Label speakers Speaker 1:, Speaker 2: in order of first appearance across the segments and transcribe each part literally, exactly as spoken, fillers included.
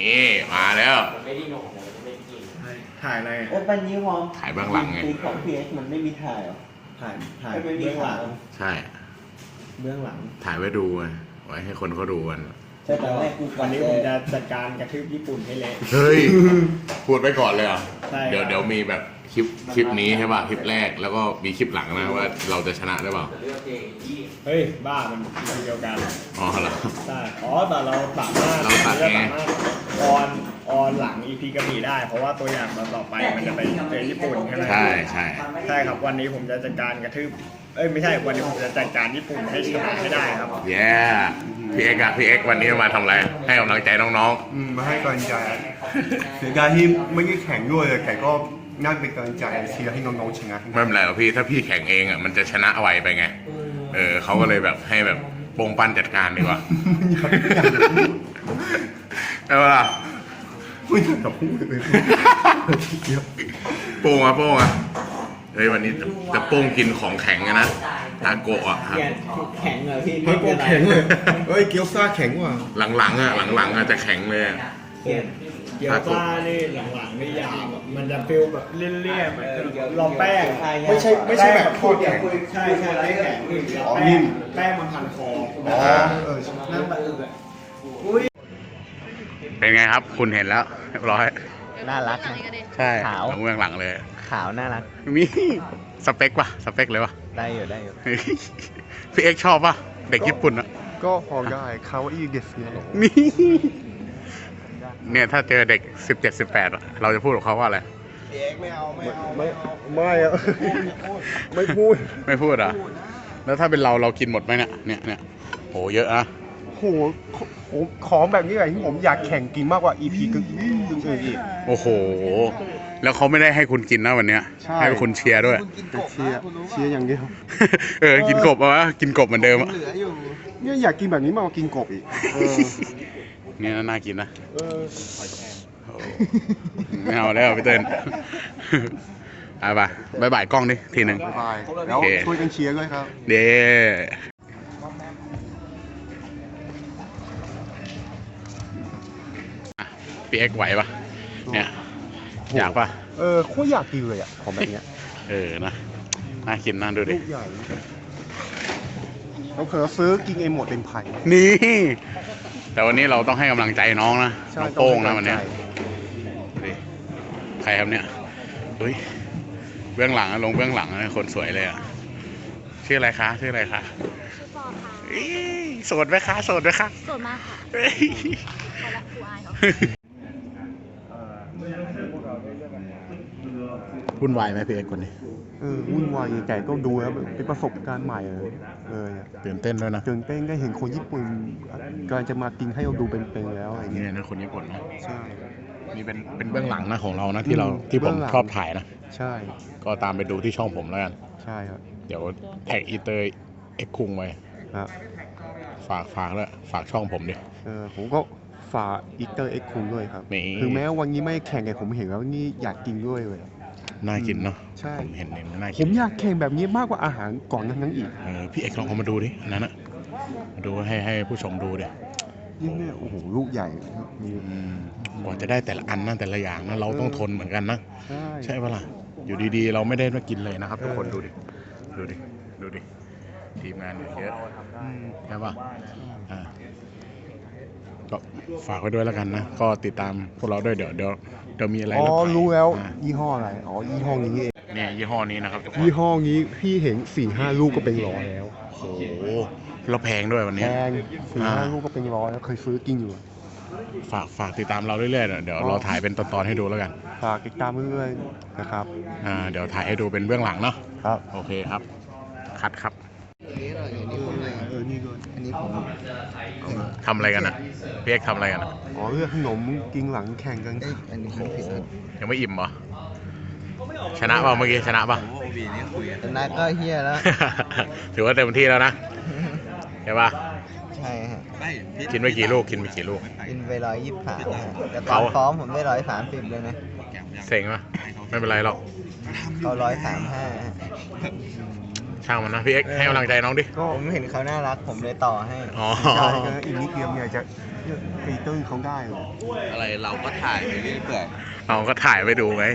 Speaker 1: นี่มาแล้ว
Speaker 2: ไม่ได้นอนเลยไม่ได้กิน
Speaker 3: ถ่ายอะไร
Speaker 4: เออปันนี้พร้อม
Speaker 1: ถ่ายเบื้องหลังไง
Speaker 4: ของพีเอสมันไม่มีถ่ายหรอ
Speaker 3: ถ่ายถ่าย
Speaker 4: เบื้องหลัง
Speaker 1: ใช่
Speaker 3: เบื้องหลัง
Speaker 1: ถ่ายไว้ดูไว้ให้คนเขาดูกัน
Speaker 4: ใช่แต่แรกกู
Speaker 3: วันนี้ผมจะจัดการกระทืบญี่ปุ่นให้เละ
Speaker 1: เฮ้ยพูดไว้ก่อนเลยอ่ะ
Speaker 3: ใช่
Speaker 1: เดี๋ยวเดี๋ยวมีแบบคลิปคลิปนี้ใช่ป่ะคลิปแรกแล้วก็มีคลิปหลังนะว่าเราจะชนะได้เปล่า
Speaker 3: เฮ้ยบ้ามันทีเดียวกัน
Speaker 1: อ๋อเหรอ
Speaker 3: ใช่อ๋อแต่เราสามารถ
Speaker 1: เราสามารถ
Speaker 3: ออนออนหลัง อี พี กระบี่ได้เพราะว่าตัวอย่างต่อไปมันจะไปเจอญี่ปุ่นใช่ไหม
Speaker 1: ใช่ใช่
Speaker 3: ใช่ครับวันนี้ผมจะจัดการกระทืบเอ้ยไม่ใช่วันนี้ผมจะจัดการญี่ปุ่นให้ชนะให้ได้ครับ
Speaker 1: เย้พี่เอ็กอะพี่เอ็กวันนี้มาทำอะไรให้กำลังใจน้อง
Speaker 5: ๆอืมมาให้กำลังใจเสียดายที่ไม่ได้แข่งด้วยเลยแต่ก็น่าเป็นกำลังใจเชียร์ให้น้องๆชนะ
Speaker 1: ไม่เป็นไรหรอกพี่ถ้าพี่แข่งเองอ่ะมันจะชนะไวไปไงเออเขาก็เลยแบบให้แบบโป่งปั้นจัดการดีกว่าเอาล่ะ
Speaker 5: ไม่อยากจะพูดเลย
Speaker 1: โป่งอะโป่งอะเฮ้ยวันนี้จะโป่งกินของแข็งนะทาโกะอ่ะ
Speaker 4: แข็งเหรอพี่
Speaker 5: ทาโกะแข็งเลยเฮ้ยเกี๊ยวซ่าแข็งว่ะ
Speaker 1: หลังๆอ่ะหลังๆอ่ะจะแข็งเลย
Speaker 3: เกี๊ยวซ่านี่หลังๆนี่ยาวมันจะฟิลแบบเลี่ยนๆเหมือนรอแป้งไม่ใช่ไม่ใช่แบบทอดแข็งใช่ใช่ไม่แข็งรอแป้งแป้งมันพันคออ๋อเออนั่นแบบ
Speaker 1: เป็นไงครับคุณเห็นแล้วเรียบร้อย
Speaker 4: น่ารัก
Speaker 1: ใช่ขาวเบื้องหลังเลย
Speaker 4: ขาวน่ารัก
Speaker 1: มีสเปคป่ะสเปคเลยป่ะ
Speaker 4: ได้อยู่ได้อยู่
Speaker 1: พี่เอ็กชอบป่ะเด็กญี่ปุ่นอ่ะ
Speaker 5: ก็พอได้เขาอีเดสเนี่ย
Speaker 1: นี่เนี่ยถ้าเจอเด็กสิบเจ็ดสิบแปดเราจะพูดกับเขาว่าอะไร
Speaker 4: พี่เอ็กไม่เอาไม่เอา
Speaker 5: ไม่ไม่อะไม่พูด
Speaker 1: ไม่พูดอ่ะแล้วถ้าเป็นเราเรากินหมดไหมเนี่ยเนี่ยเนี่ยโหเยอะนะ
Speaker 5: โหของแบบนี้ไงที่ผมอยากแข่งกินมากกว่า อี พี ก็อื่นอีก
Speaker 1: โอ้โหแล้วเขาไม่ได้ให้คุณกินนะวันนี้ให้คุณเชียร์ด้วย
Speaker 5: เชียร์เชียร์อย่างเดียว
Speaker 1: เออกินกบวะกินกบเหมือนเดิมอ่ะ
Speaker 5: เนี่ยอยากกินแบบนี้มากกว่ากินกบอีก
Speaker 1: เนี่ยน่ากินนะไม่เอาแล้วพี่เติ้ลไปไปบายบายกล้องดิทีหนึ่ง
Speaker 5: บายแล้วช่วยกันเชียร์ด้วยครับ
Speaker 1: เด้พี่เอ็กไหวปะเนี่ยอยากปะ
Speaker 5: เออโคตรอยากกินเลยอ่ะของแบบเนี้ย
Speaker 1: เออนะน่ากินน่าดูดิ
Speaker 5: เราเคยซื้อกินเองหมดเป็นไผ่
Speaker 1: นี่แต่วันนี้เราต้องให้กำลังใจน้องนะน้องโป้งนะวันนี้ใครครับเนี่ยเฮ้ยเบื้องหลังลงเบื้องหลังคนสวยเลยอ่ะชื่ออะไรคะชื่ออะไรคะ
Speaker 6: ชื่อปอค่ะ
Speaker 1: โสดไหมคะโสดไหมคะ
Speaker 6: โสดมากค่ะขอรักครูอายเขา
Speaker 1: วุ่นวายไหมพี่เอกคนนี้
Speaker 5: เออวุ่นวายใหญ่ก็ดูแล้วเป็นประสบการณ์ใหม่เลยเออ
Speaker 1: ตื่นเต้นด้วยนะ
Speaker 5: ตื่นเต้นได้เห็นคนญี่ปุ่นกำลังจะมากินให้เราดูเป็นๆแล้วอะไรเงี้
Speaker 1: ยนะคนญี่ปุ่นนะ
Speaker 5: ใช่
Speaker 1: นี่เป็นเป็นเบื้องหลังนะของเรานะที่เราที่ผมชอบถ่ายนะ
Speaker 5: ใช่
Speaker 1: ก็ตามไปดูที่ช่องผมแล้วกัน
Speaker 5: ใช่ครับ
Speaker 1: เดี๋ยวแท็กอีเตอร์เอ็กคุงไว้
Speaker 5: ครับ
Speaker 1: ฝากฝากแล้วฝากช่องผมดิ
Speaker 5: เออผมก็ฝากอีเตอร์เอ็กคุงด้วยครับถึงแม้วันนี้ไม่แข่งแต่ผมเห็นแล้วนี่อยากกินด้วยเลย
Speaker 1: น่ากินเนาะ
Speaker 5: ใช่
Speaker 1: ผมเห็นเห็นน่ากิน
Speaker 5: ผมอยากแข่งแบบนี้มากกว่าอาหารก่อนนั้นอีก
Speaker 1: เออพี่เอกลองเอามาดูดิอันนั้นอะมาดูให้ให้ผู้ชมดูดิ
Speaker 5: ยิ่งเนี่ยโอ้โหลูกใหญ่
Speaker 1: กว่าจะได้แต่ละอันนั่นแต่ละอย่างนะเราต้องทนเหมือนกันนะใช่ใช่ปะล่ะอยู่ดีๆเราไม่ได้มากินเลยนะครับทุกคนดูดิดูดิดูดิทีมงานเยอะใช่ปะอ่าก็ฝากไว้ด้วยแล้วกันนะก็ติดตามพวกเราด้วยเดี๋ยวเดี๋ยวเดี๋ยวมีอะไร
Speaker 5: อ๋อรู้แล้วยี่ห้ออะไรอ๋อยี่ห้อนี้เอง
Speaker 1: เนี่ยยี่ห้อนี้นะครับ
Speaker 5: ยี่ห้อนี้พี่เห็นสี่ห้าลูกก็เป็นร้อยแล้ว
Speaker 1: โอ้โหเราแพงด้วยวันนี้
Speaker 5: แพงสี่ห้าลูกก็เป็นร้อยแล้วเคยซื้อกินอยู่
Speaker 1: ฝากฝากติดตามเราเรื่อยๆเดี๋ยวเราถ่ายเป็นตอนๆให้ดูแล้วกัน
Speaker 5: ฝากติดตามเรื่อยๆนะครับ
Speaker 1: อ่าเดี๋ยวถ่ายให้ดูเป็นเบื้องหลังเนาะ
Speaker 5: ครับ
Speaker 1: โอเคครับคัดครับ
Speaker 5: เออนี่ด้วย
Speaker 4: อันนี้ผม
Speaker 1: ทำอะไรกันนะพี่เอกทำอะไรกันนะ
Speaker 5: อ๋อเรื่องขนมกินหลังแข่งกัน
Speaker 4: อันนี้
Speaker 1: ยังไม่อิ่มเหรอชนะเปล่าเมื่อกี้ชนะป่ะ
Speaker 4: ชนะก็เฮียแล้ว
Speaker 1: ถือว่าเต็มที่แล้วนะใช่ป่ะ
Speaker 4: ใช่ฮะ
Speaker 1: กินไปกี่ลูกกินไปกี่ลูก
Speaker 4: กินไปร้อยยี่สิบสามแต่ตอนซ้อมผมได้ร้อยสามสิบเลยนะ
Speaker 1: เซ็งป่ะไม่เป็นไรหรอก
Speaker 4: เขาร้อยสามห้า
Speaker 1: ช่างมันนะพี่เอ็กซ์ให้กำลังใจน้องดิ
Speaker 4: ก็ผมเห็นเขาน่ารักผมเลยต่อให้
Speaker 1: อ๋อ
Speaker 5: ใช่ก็อีกนิดเดียวเนี่ยจะตีตื้นเขาได้เลย
Speaker 4: อะไรเราก็ถ่ายไปเรื่อย
Speaker 1: เราก็ถ่ายไปดูไง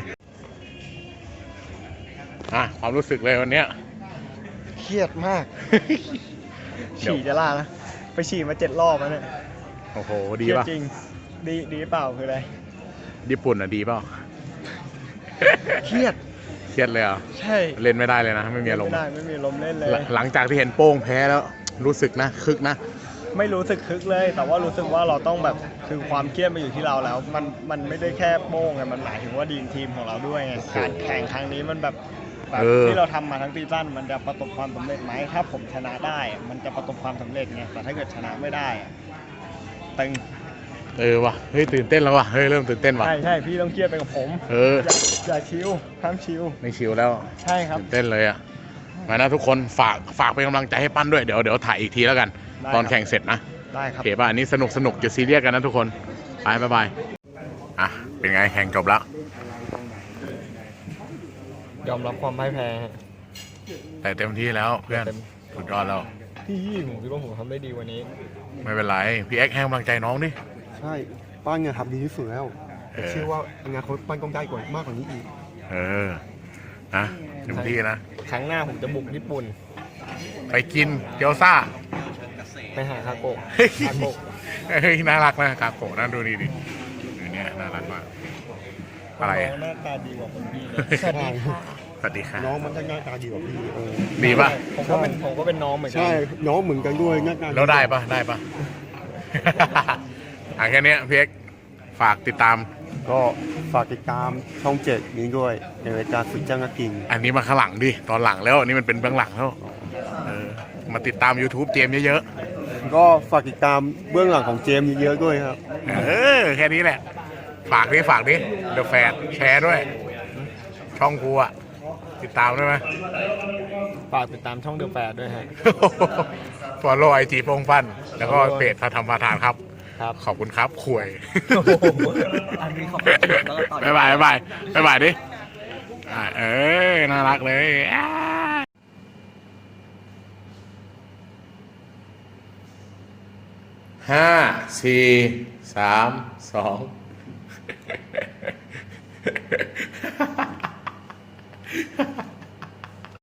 Speaker 1: อ่ะความรู้สึกเลยวันเนี้ย
Speaker 3: เครียดมาก ฉี่จะล่านะ ไปฉี่มาเจ็ดรอบแล้วเนี่ย
Speaker 1: โอ้โห
Speaker 3: เค
Speaker 1: ดี
Speaker 3: รียด
Speaker 1: ป่ะ
Speaker 3: จริง ดีดีเปล่าคืออะไร
Speaker 1: ญี่ปุ่นอ่ะดีเปล่า
Speaker 3: เครียด
Speaker 1: เครียดเลยเหรอ่ะ
Speaker 3: ใช่
Speaker 1: เล่นไม่ได้เลยนะ ไม่มีอารม
Speaker 3: ไม่
Speaker 1: ณ์
Speaker 3: ได้ไม่มีลมณ์เล่นเลย
Speaker 1: หลังหลังจากที่เห็นโป้งแพ้แล้ว รู้สึกนะ คึกนะ
Speaker 3: ไม่รู้สึกคึกเลย แต่ว่ารู้สึกว่าเราต้องแบบคือความเครียดมาอยู่ที่เราแล้ว มันมันไม่ได้แค่โป้งไงมันหมายถึงว่าดีมทีมของเราด้วยไงการแข่งครั้งนี้มันแบบแบบ
Speaker 1: เออ
Speaker 3: ที่เราทำมาทั้งซีซั่นมันจะประสบความสำเร็จไหมถ้าผมชนะได้อะมันจะประสบความสำเร็จไงแต่ถ้าเกิดชนะไม่ได้อะตึง
Speaker 1: เออว่ะ เฮ้ยตื่นเต้นแล้วว่ะ เฮ้ยเริ่มตื่นเต้นว่ะ
Speaker 3: ใช่ใช่พี่ต้องเครียดไปกับผม
Speaker 1: เออ
Speaker 3: อย่าอย่าชิวห้ามชิว
Speaker 1: ไม่ชิวแล้ว
Speaker 3: ใช่ครับ
Speaker 1: ตื่นเต้นเลยอ่ะ มานะทุกคนฝากฝากเป็นกำลังใจให้ปั้นด้วย เดี๋ยวเดี๋ยวถ่ายอีกทีแล้วกัน
Speaker 3: ได้
Speaker 1: ตอน
Speaker 3: ครับ
Speaker 1: แข่งเสร็จนะ
Speaker 3: ได้ค
Speaker 1: โอ
Speaker 3: รับ
Speaker 1: เคป่ะ อันนี้สนุกสนุกจะซีเรียสกันนะทุกคน ไปบ๊ายบาย อ่ะ เป็นไงแข่งจบแล้ว
Speaker 3: ยอมรับความพ่ายแพ้
Speaker 1: แต่เต็มที่แล้วเพื่อน สุดยอดแล้ว
Speaker 3: พี่ผมคิดว่าผมทำได้ดีกวันนี้
Speaker 1: ไม่เป็นไร พี่เอ็กซ์ให้กำลังใจน้องดิ
Speaker 5: ใช่ป้านเนี่ยทำดีที่สุดแล้ว
Speaker 1: เออ
Speaker 5: เชื่อว่าอนาคตป้านต้องได้กว่ามากกว่านี้อีก
Speaker 1: เออ นะเต็มที่นะ
Speaker 3: ครั้งหน้าผมจะบุกญี่ปุ่น
Speaker 1: ไปกินเกี๊ยวซ่า
Speaker 3: ไปหาคาโกะ
Speaker 1: เฮ้ย
Speaker 3: คาโกะ
Speaker 1: เฮ้ยน่ารักนะคาโกะน่าดูดีดิดูเนี่ยน่ารักมาก อะไร
Speaker 3: น้
Speaker 1: อะ
Speaker 3: องหน้าตาดีกว่าคนพี่เลย
Speaker 5: ใช่
Speaker 1: สวัสดีค่ะ
Speaker 5: น้องมันก็หน้าตาดีกว่าพี่เออ
Speaker 1: ดีป่ะ
Speaker 3: ผมก็เป็นผมก็เป็นน้องเหมือนกั
Speaker 5: ใช่ น้องเหมือนกันด้วยหน้าตา
Speaker 1: แล้วได้ป่ะ ได้ป่ะ อ่ะแค่เนี้ยพี่เอ็กซ์ฝากติดตาม
Speaker 5: ก็ฝากติดตามช่องเจ็ดนี้ด้วยในรายการสุดจ้างนักกิน
Speaker 1: อันนี้มาข้างหลังดิ ตอนหลังแล้ว อันนี้มันเป็นเบื้องหลังแล้วเออ มาติดตาม YouTube เจมส์เยอะ
Speaker 5: ก็ฝากติดตามเบื้องหลังของเจมส์เยอะๆด้วยครับ
Speaker 1: ๆ เออ แค่นี้แหละ ฝากดิ ฝากดิ เดอะแฟนแชร์ด้วย ช่องกูอะติดตามด้วยไหม
Speaker 3: ฝากติดตามช่องเดอะแฟร์ด้วยฮะ
Speaker 1: ฟอลโล่ไอจีโป้งฟัน แล้วก็เพจพระธรรมประธานครับ
Speaker 3: ครับ
Speaker 1: ขอบคุณครับข่วย
Speaker 4: อันนี้ขอบคุณแล้วก็ต่อ
Speaker 1: บ๊ายบายบ๊ายบายบ๊ายบายดิอ่าเออ น่ารักเลยอ่าห้า สี่ สาม สอง